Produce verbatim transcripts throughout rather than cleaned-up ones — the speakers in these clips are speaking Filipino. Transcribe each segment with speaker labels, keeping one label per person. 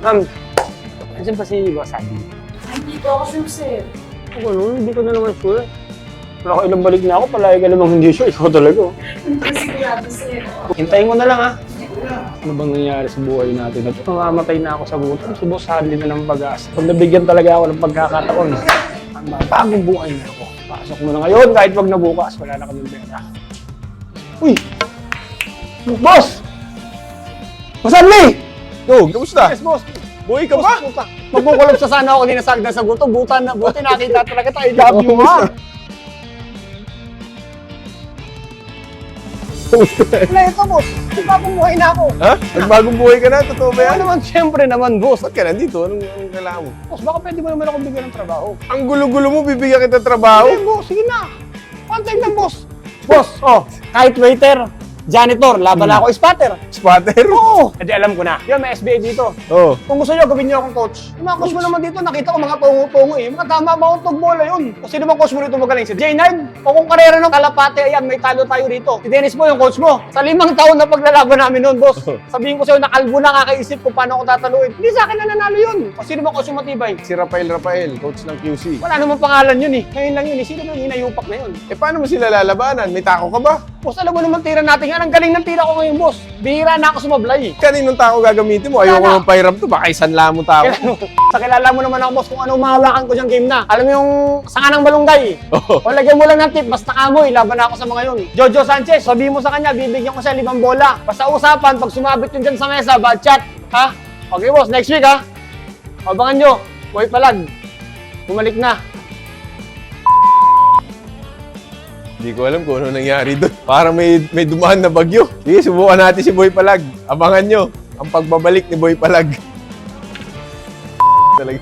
Speaker 1: Ma'am, nandiyan pa si Boss Andy?
Speaker 2: Ay, hindi po ako sure, sir.
Speaker 1: Ako nun, hindi ko na naman sure. Wala ko ilang balik na ako, palagi ka namang hindi sure. Ikaw talaga. oh.
Speaker 2: Hindi ko sigurado, sir.
Speaker 1: Hintayin ko na lang ha. Ano bang nangyayari sa buhay natin? At mamamatay na ako sa gutom. Si Boss Andy na ng pag-asa. Pag nabigyan talaga ako ng pagkakataon, ang bagong buhay na ako. Pasok mo na ngayon, kahit wag na bukas, wala na kaming pera. Uy! Boss! Boss Andy!
Speaker 3: Yo, kamusta?
Speaker 1: Yes, boss!
Speaker 3: Buhay ka ba?
Speaker 1: Puta. Magkukulog sa sana ako dinasagdan sa gutom. Buta na, buti nakita talaga tayo. I love you, ha? Wala ito, boss. Bagong buhay na ako.
Speaker 3: Ha? Nagbagong buhay ka na? Totoo ba
Speaker 1: Kaya
Speaker 3: yan?
Speaker 1: naman, siyempre naman, boss.
Speaker 3: Ba't ka nandito? Anong, anong kailangan mo?
Speaker 1: Boss, baka pwede mo naman akong bigyan ng trabaho.
Speaker 3: Ang gulo-gulo mo, bibigyan kita trabaho?
Speaker 1: Sige, boss. Sige na. One time lang, boss. Boss, oh, kahit waiter, janitor, laban na ako, spotter.
Speaker 3: Spotter?
Speaker 1: Oo. Hindi, alam ko na. Yan, may S B A dito.
Speaker 3: Oo.
Speaker 1: Kung gusto nyo, gawin nyo akong coach. Yung mga coach mo naman dito, nakita ko mga tungo-tungo eh. Mga tama ba akong tugbola yun? Kung sino bang coach mo rito magaling? Si J nine? O kung karera ng Kalapate, ayan, may talo tayo rito. Si Dennis mo yung coach mo. Sa limang taon na paglalaban namin noon, boss. Sabihin ko sa'yo, nakalbo na kakaisip kung paano ako tataluin. Hindi sa akin na nanalo yun. O sino bang coach yung matibay?
Speaker 3: Si Rafael Rafael, coach ng Q C.
Speaker 1: Wala namang pangalan yun eh. Ngayon lang yun eh. Sino ba yung hinayupak na yun?
Speaker 3: Eh, paano mo sila lalabanan? May tako ka ba?
Speaker 1: Boss, alam mo naman tira natin yan. Ang galing ng tira ko ngayon, boss. Bihira na ako sumablay.
Speaker 3: Kaninong tako gagamitin mo? Ayoko
Speaker 1: Wala.
Speaker 3: ng pahiram to. Baka isanla mo tao.
Speaker 1: Sa kilala mo naman ako, boss, kung ano mahawakan ko siyang game na. Alam mo yung sanga ng balunggay?
Speaker 3: Oo.
Speaker 1: O lagyan mo lang ng tip, basta kamoy, laban na ako sa mga yun. Jojo Sanchez, sabihin mo sa kanya, bibigyan ko siya limang bola. Basta usapan, pag sumabit yun dyan sa mesa, bad chat. Ha? Okay, boss, next week, ha? Abangan nyo, Boy Palag. Bumalik na.
Speaker 3: Hindi ko alam kung ano nangyari doon. Parang may, may dumaan na bagyo. Sige, subukan natin si Boy Palag. Abangan nyo ang pagbabalik ni Boy Palag. Talaga.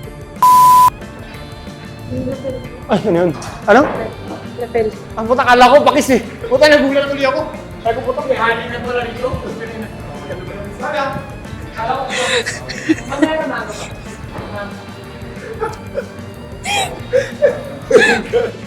Speaker 1: Ay, ano yun? Ano?
Speaker 2: Lapel.
Speaker 1: Ang puta, kala ko, pakis eh. Puta, nagulat ulit ako. Sabi ko, puta, may hanin na pala rito. Sabi ah, kala ko, mamaya na naman ako.